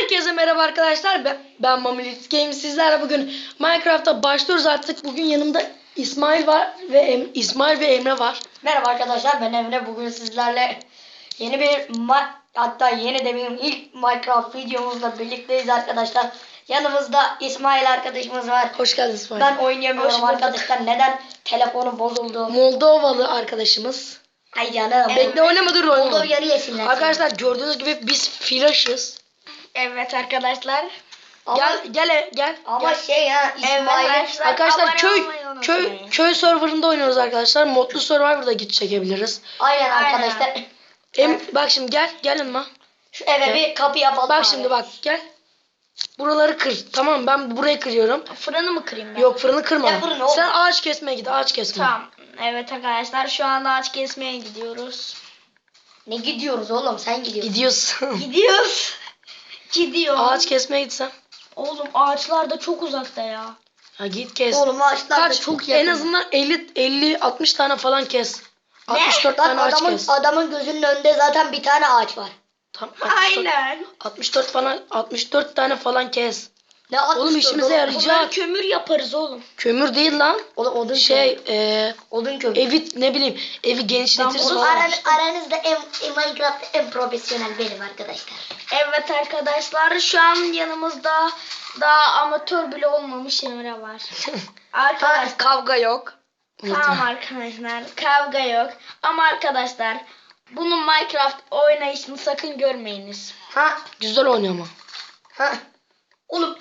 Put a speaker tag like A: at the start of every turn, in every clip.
A: Herkese merhaba arkadaşlar. Ben Mamilit Games. Sizlerle bugün Minecraft'a başlıyoruz artık. Bugün yanımda İsmail var ve İsmail ve Emre var.
B: Merhaba arkadaşlar, ben Emre. Bugün sizlerle yeni bir hatta yeni de benim ilk Minecraft videomuzla birlikteyiz arkadaşlar. Yanımızda İsmail arkadaşımız var.
A: Hoş geldin İsmail.
B: Ben oynayamıyorum arkadaşlar. Neden? Telefonum bozuldu.
A: Moldovalı arkadaşımız.
B: Ay canım.
A: Bekle oynama dur oynama.
B: Moldova'yı yesinler.
A: Arkadaşlar gördüğünüz gibi biz flash'ız.
C: Evet arkadaşlar.
A: Gel.
B: Ama
A: gel.
B: şey ya İsmail.
A: Arkadaşlar
C: abone olmayı unutmayın.
A: köy serverında oynuyoruz arkadaşlar. Modlu Survivor'da git çekebiliriz.
B: Aynen arkadaşlar.
A: Bak şimdi gelin ma.
B: Şu eve bir kapı yapalım.
A: Bak
B: abi.
A: şimdi bak gel. Buraları kır. Tamam ben burayı kırıyorum.
C: Fırını mı kırayım ben?
A: Yok fırını kırma.
B: Ya fırını oğlum.
A: Sen ağaç kesmeye git ağaç kesme.
C: Tamam. Evet arkadaşlar şu anda ağaç kesmeye gidiyoruz.
B: Ne gidiyoruz oğlum? Sen gidiyorsun.
A: Gidiyorsun.
C: Gidiyoruz. Gidiyor.
A: Ağaç kesmeye gitsen.
C: Oğlum ağaçlar da çok uzakta ya.
A: Ha git kes.
B: Oğlum ağaçlar da
A: Kaç?
B: çok yakın.
A: En azından 50-60 tane falan kes. 64
B: Lan
A: tane ağaç kes.
B: adamın gözünün önünde zaten bir tane ağaç var.
A: Tamam,
C: Aynen.
A: 64 tane falan kes.
B: Ne
A: Oğlum işimize yarayacak.
C: Bunlar kömür yaparız oğlum.
A: Kömür değil lan.
B: Oğlum odun odun kömür.
A: Evi ne bileyim evi genişletirsin
C: Oğlum,
A: falan.
B: Aranızda Minecraft'ta en profesyonel benim arkadaşlar.
C: Evet arkadaşlar şu an yanımızda daha amatör bile olmamış Emre var. Arkadaşlar
A: Kavga yok.
C: tamam arkadaşlar kavga yok. Ama arkadaşlar bunun Minecraft oynayışını sakın görmeyiniz.
B: Ha
A: Güzel oynuyor ama.
B: ha. Oğlum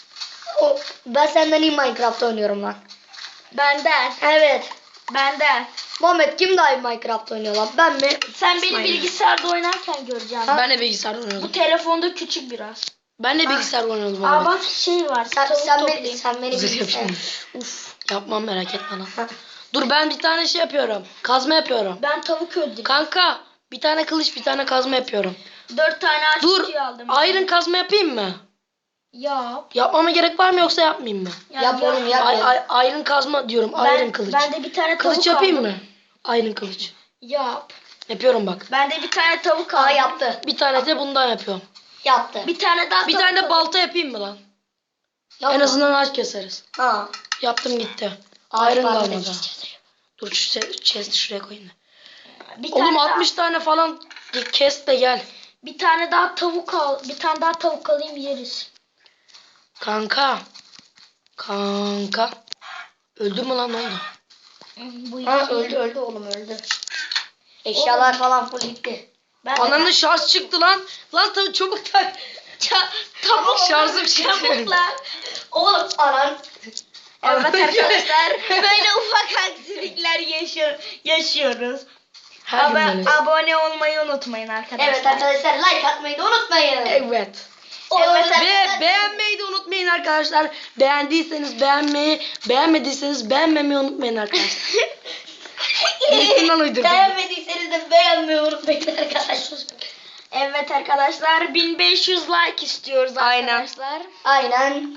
B: ben senden iyi Minecraft oynuyorum lan.
C: Benden.
B: Evet.
C: Benden.
B: Muhammed kim daha iyi Minecraft oynuyor lan? Ben mi?
C: Sen beni
A: İsmail.
C: bilgisayarda oynarken göreceksin.
A: Ben de bilgisayarda
C: Bu
A: oynuyordum.
C: telefonda küçük biraz.
A: Ben de bilgisayarda oynuyordum.
C: Aa
A: abi.
C: bak şey var.
B: Sen,
C: tavuk
B: sen beni
C: toplayayım.
B: sen beni
A: Zırh
B: bilirsin.
A: yapayım.
C: Uf.
A: Yapmam merak etme lan. Dur ben bir tane şey yapıyorum. Kazma yapıyorum.
C: Ben tavuk öldürdüm.
A: Kanka bir tane kılıç bir tane kazma yapıyorum.
C: 4 tane ağaç
A: Dur
C: kutuyu aldım.
A: iron kazma yapayım mı?
C: Yap.
A: Yapmama gerek var mı yoksa yapmayayım mı?
B: Yap oğlum, yap.
A: Iron kazma diyorum. Iron kılıç.
C: Ben de bir tane tavuk
A: Kılıç yapayım
C: aldım.
A: mı? Iron kılıç.
C: Yap.
A: Yapıyorum bak.
C: Ben de bir tane tavuk
B: Aa
C: aldım.
B: yaptı.
A: Bir tane de bundan yapıyorum.
B: Yaptı.
C: Bir tane daha
A: Bir
C: tavuk
A: tane de
C: aldım.
A: balta yapayım mı lan?
B: Yapma.
A: En azından ağaç keseriz.
B: Ha.
A: Yaptım gitti.
B: Ağaç
A: Iron
B: parmağı
A: kalmadı.
B: keseceğiz.
A: Dur şu chest'i şuraya koyayım da.
C: Bir
A: Oğlum
C: tane
A: 60 tane falan kes de gel.
C: Bir tane daha tavuk al. Bir tane daha tavuk alayım yeriz.
A: Kanka. Öldü mü lan ne oldu?
C: Bu
B: Ha
C: iki.
B: öldü oğlum öldü. Eşyalar falan full gitti.
C: Ben
A: Ananın şarj çıktı lan. Lan çabuk tak.
C: tavuk
A: şarjım çıktı.
C: Tavuklar.
B: Oğlum anan.
C: Evet arkadaşlar böyle ufak aksilikler yaşıyoruz.
A: Her gün böyle.
C: Abone olmayı unutmayın arkadaşlar.
B: Evet arkadaşlar like atmayı da unutmayın.
A: Evet.
C: Evet,
A: Ve beğenmeyi de unutmayın arkadaşlar. Beğendiyseniz beğenmeyi, beğenmediyseniz beğenmemeyi unutmayın arkadaşlar. Yakından uydurdum.
B: Beğenmediyseniz de beğenmeyi unutmayın arkadaşlar.
C: Evet arkadaşlar 1500 like istiyoruz
A: Aynen.
C: arkadaşlar.
B: Aynen.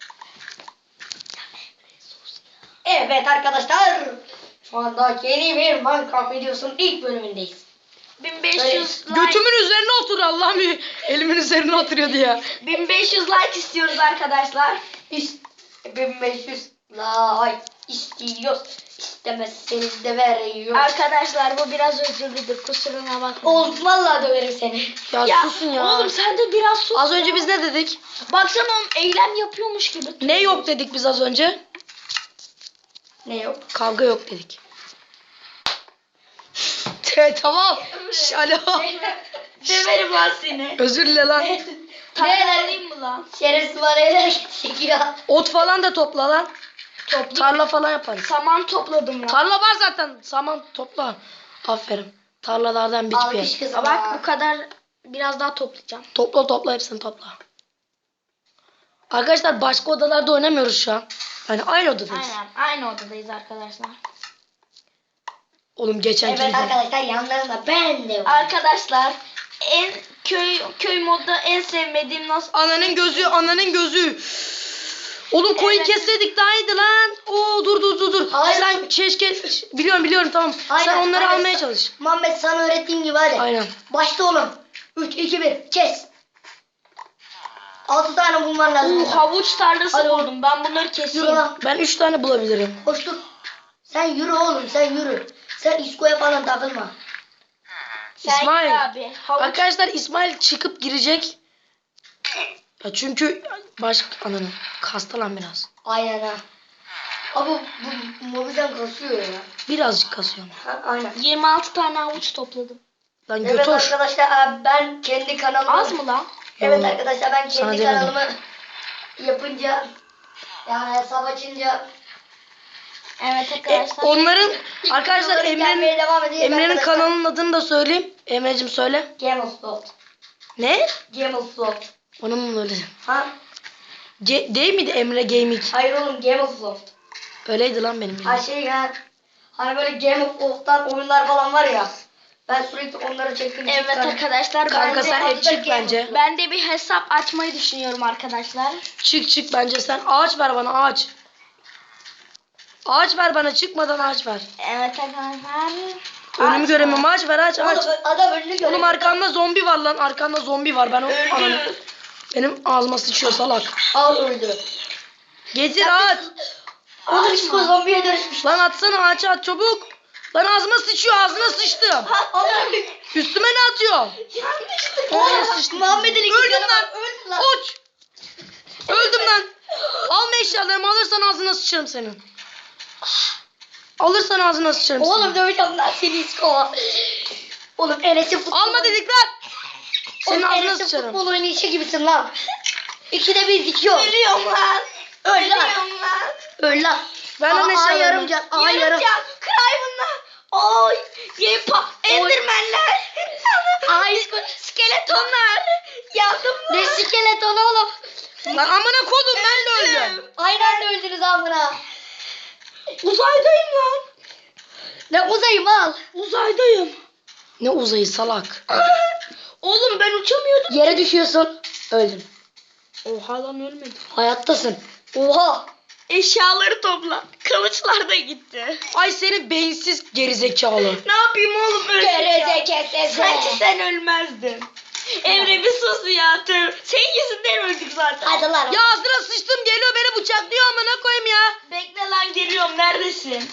B: Evet arkadaşlar. Şu anda yeni bir Minecraft videosunun ilk bölümündeyiz.
C: 1500 like.
A: Götümün üzerine otur Allah'ım. Elimin üzerine oturuyordu ya.
C: 1500 like istiyoruz arkadaşlar.
B: 1500 like istiyoruz. İstemezseniz de veriyoruz.
C: Arkadaşlar bu biraz özürlüdür kusuruna bakmayın.
B: Oğlum vallahi döverim seni.
A: Ya, susun ya.
C: Oğlum sen de biraz sus.
A: Az önce biz ne dedik?
C: Baksana oğlum eylem yapıyormuş gibi.
A: Ne yok dedik biz az önce?
B: Ne yok?
A: Kavga yok dedik. Tamam. Alo.
C: Döverim lan seni.
A: Özür dile lan.
C: Tarlalayayım mı lan?
B: Şerefsiz var eller çekiyor.
A: Ot falan da topla lan. Tarla falan yaparız.
C: Saman topladım lan.
A: Tarla var zaten. Saman topla. Aferin. Tarlalardan
B: Alkış
A: bitmiyor.
B: kızım.
C: Bak bu kadar biraz daha toplayacağım.
A: Topla hepsini topla. Arkadaşlar başka odalarda oynamıyoruz şu an. Hani aynı odadayız.
C: Aynen aynı odadayız arkadaşlar.
A: Oğlum geçen
B: Evet arkadaşlar yanlarında ben de var.
C: Arkadaşlar en köy modda en sevmediğim nasıl
A: Ananın gözü. Oğlum koyun
C: Evet.
A: kesseydik daha iyiydi lan. Oo dur.
B: Hayır.
A: Sen keşke biliyorum tamam. Sen onları
B: aynen.
A: almaya çalış.
B: Muhammed sana öğrettiğim gibi hadi.
A: Aynen.
B: Başla oğlum. 3, 2, 1 kes. 6 tane bulman lazım.
C: Havuç tarlası
B: Hadi oğlum.
C: buldum. Ben bunları
B: Yürü
C: keseyim.
B: lan.
A: Ben 3 tane bulabilirim.
B: Koş dur. Sen yürü oğlum sen yürü. Sen İsko'ya falan takılma.
C: Sen
A: İsmail.
C: gel abi. Havuç.
A: Arkadaşlar İsmail çıkıp girecek. Ya çünkü ananı kastı lan biraz.
B: Aynen ha. Abi bu mobilden kasıyor ya.
A: Birazcık kasıyor ama.
B: Ha, aynen.
C: 26 tane havuç topladım.
A: Lan
B: Evet
A: götür.
B: arkadaşlar ben kendi kanalımı...
C: Az mı lan?
B: Evet
A: Yo,
B: arkadaşlar ben
A: sana
B: kendi
A: demedim.
B: kanalımı yapınca yani hesap açınca
C: Evet arkadaşlar.
A: Onların arkadaşlar
B: videoları gelmeye devam edecek
A: Emre'nin
B: arkadaşlar.
A: kanalının adını da söyleyeyim. Emre'cim söyle.
B: Gamersloft.
A: Ne?
B: Gamersloft.
A: Onun mu öyle?
B: Ha?
A: Değil miydi Emre Gaming?
B: Hayır oğlum Gamersloft.
A: Öyleydi lan benim
B: Ha
A: bildiğim.
B: şey ya. Hani böyle Gamersloft'tan oyunlar falan var ya. Ben sürekli onları çektim.
C: Evet arkadaşlar.
A: Kanka
C: ben de,
A: sen hep
B: adı da
A: çık bence.
C: ben de bir hesap açmayı düşünüyorum arkadaşlar.
A: Çık bence sen. Ağaç ver bana ağaç. Ağaç ver bana çıkmadan ağaç ver.
C: Evet arkadaşlar.
A: Önümü göremiyorum ağaç ver ağaç ağaç.
B: Oğlum adam önünü görüyor.
A: Oğlum arkanda zombi var lan. Arkanda zombi var. Ben o ananı. Benim ağzıma sıçıyor salak.
B: Al öldü.
A: Getir at.
B: Oğlum İsko zombiye dönüşmüş.
A: Lan atsana ağaça at çabuk. Lan ağzıma sıçıyor ağzına sıçtım.
B: Allah'ım.
A: Üstüme ne atıyor?
B: Yanlışlıkla.
A: Ağzına sıçtım.
B: Muhammed'in iki
A: Öldüm
B: canı
A: lan.
B: var. Öldü lan.
A: Uç. Öldüm lan. Alma eşyalarımı alırsan ağzına sıçarım senin. Alırsan ağzına sıçarım
B: Oğlum
A: senin.
B: döveceğim lan seni İsko. Oğlum Enes'in futbol.
A: Alma dedik lan. Senin
B: Oğlum
A: ağzına
B: Enes'in
A: sıçarım.
B: futbol oynayışı gibisin lan. İkide bir dikiyor.
C: Ölüyorum lan.
B: Öl lan.
C: Ölüyorum lan.
B: Öl lan.
A: Ver lan
B: Aa,
A: eşyalarımı.
B: yarım can. Aa yarım.
C: Can. Craven'la. Oy. Endermenler.
B: Ay İsko.
C: Skeletonlar. Yandım lan.
B: Ne skeletonu oğlum.
A: Lan amına kodum ben de öldüm.
B: Aynı anda öldünüz amına.
C: Uzaydayım lan.
B: Ne uzayım al.
C: Uzaydayım.
A: Ne uzayı salak.
C: Oğlum ben uçamıyordum.
B: Yere düşüyorsun. Öldün.
C: Oha lan ölmedim.
B: Hayattasın. Oha.
C: Eşyaları topla. Kılıçlar da gitti.
A: Ay seni beyinsiz gerizekalı.
C: Ne yapayım oğlum
B: Gerizekalı.
C: Sanki sen ölmezdin. Emre bir sus ya. Senin yüzünden öldük zaten.
B: Hadi lan.
A: Ya ağzına sıçtım geliyor beni bıçaklıyor amına koyayım ya.
C: Bekle lan geliyorum. Neredesin?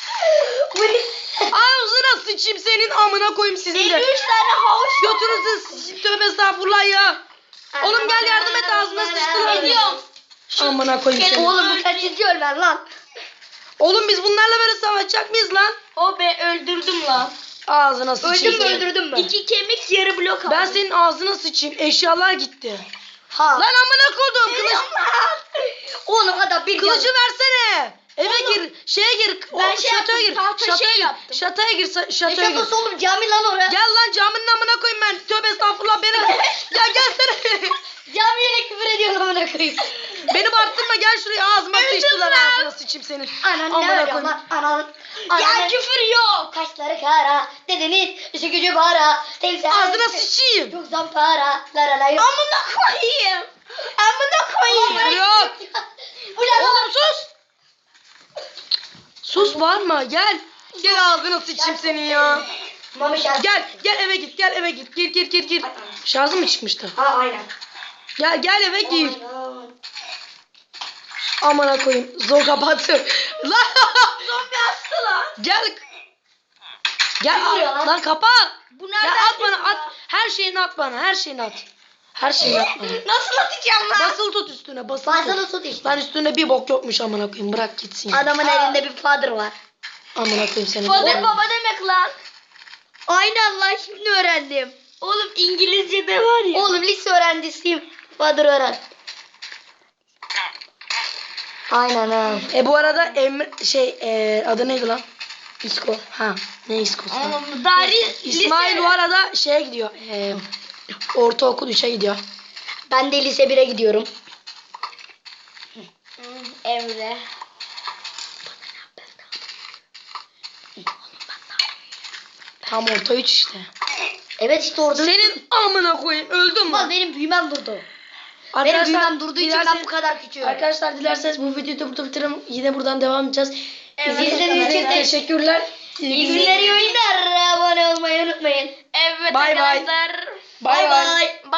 A: Ağzına sıçayım senin amına koyayım sizin
C: 53
A: de.
C: tane havuç.
A: Götünüzü sıçayım tövbe estağfurullah ya. Oğlum gel yardım et ağzına sıçtılar.
C: Ediyorum.
A: Amına koyayım seni.
B: Oğlum bu kaçıncı ölmen lan?
A: Oğlum biz bunlarla böyle savaşacak mıyız lan?
C: O be öldürdüm lan.
A: Ağzına sıçayım.
B: Öldün mü öldürdün mü?
C: 2 kemik yarı blok aldım.
A: Ben senin ağzına sıçayım. Eşyalar gitti.
B: Ha.
A: Lan amına koydum.
B: Oğlum adam bir
A: Kılıcı versene. Eve gir. Şeye gir.
C: Ben şey
A: şatoya
C: yaptım,
A: gir.
C: tahta
A: Şatoya
C: şey
A: gir.
C: yaptım.
A: Şatoya gir.
B: Ne
A: Şatoya gir.
B: şatosu oğlum cami lan oraya.
A: Gel lan caminin amına koyayım ben. Tövbe estağfurullah beni. Ya gelsene.
B: Camiyle küfür ediyorsun amına koyayım.
A: Beni bağırtırma gel şuraya ağzıma
C: Öldüm
A: sıçtılar
C: lan.
A: ağzına sıçayım senin.
B: Anan ne
A: Amına
B: ölüyor
A: koyayım.
B: lan? Anan.
C: Ya küfür yok.
B: Kaşları kara. Dedenin işi gücü para. Teyze.
A: Ağzına sıçayım.
B: Çok zampara. Laralayım.
C: Amına koyayım. Amına koyayım.
A: Yok.
B: Ulan
A: Oğlum sus. Sus bağırma gel. Gel ağzına sıçayım senin ya.
B: Mami şarkı.
A: Gel eve git gel eve git. Gir. Şarjı mı çıkmıştı?
B: Ha aynen.
A: Gel eve gir.
B: Aman.
A: Amına koyayım. Zor kapattı. Lan.
C: Zombi hastı lan.
A: Gel.
B: Ne vuruyor lan?
A: Lan kapa.
C: Bu
A: Ya
C: nereden
A: at bana
C: çıktı
A: at.
C: ya?
A: Her şeyini at bana. Her şeyini at. Her şeyini at bana.
C: Nasıl atacağım lan?
A: Basılı tut üstüne. Basılı
B: Basılı
A: tut.
B: tut işte.
A: Lan üstünde bir bok yokmuş amına koyayım. Bırak gitsin ya.
B: Adamın elinde bir father var.
A: Amına koyayım seni.
C: Father baba demek lan.
B: Aynen lan şimdi öğrendim.
C: Oğlum İngilizce'de var ya.
B: Oğlum lise öğrencisiyim. Father öğren. Aynen ha.
A: Bu arada adı neydi lan? İsko. Ha. Ne İsko'su? lan?
C: Oğlum Dari
A: İsmail bu arada şeye gidiyor. Ortaokul 3'e gidiyor.
B: Ben de lise 1'e gidiyorum.
C: Emre.
A: Tam orta 3 işte.
B: Evet işte orada.
A: Senin amına koyayım öldün
B: Ulan
A: mü?
B: benim büyümem durdu. Benim büyümem durduğu için ben bu kadar küçüğüm.
A: Arkadaşlar dilerseniz bu videoyu da burada bitirelim. Yine buradan devam edeceğiz.
C: Evet,
A: İzlediğiniz için
B: arkadaşlar.
A: teşekkürler.
B: İyi günler, iyi oyunlar. Abone olmayı unutmayın.
C: Evet
A: Bye bye.
C: arkadaşlar.
A: Bay bay.
B: Bye.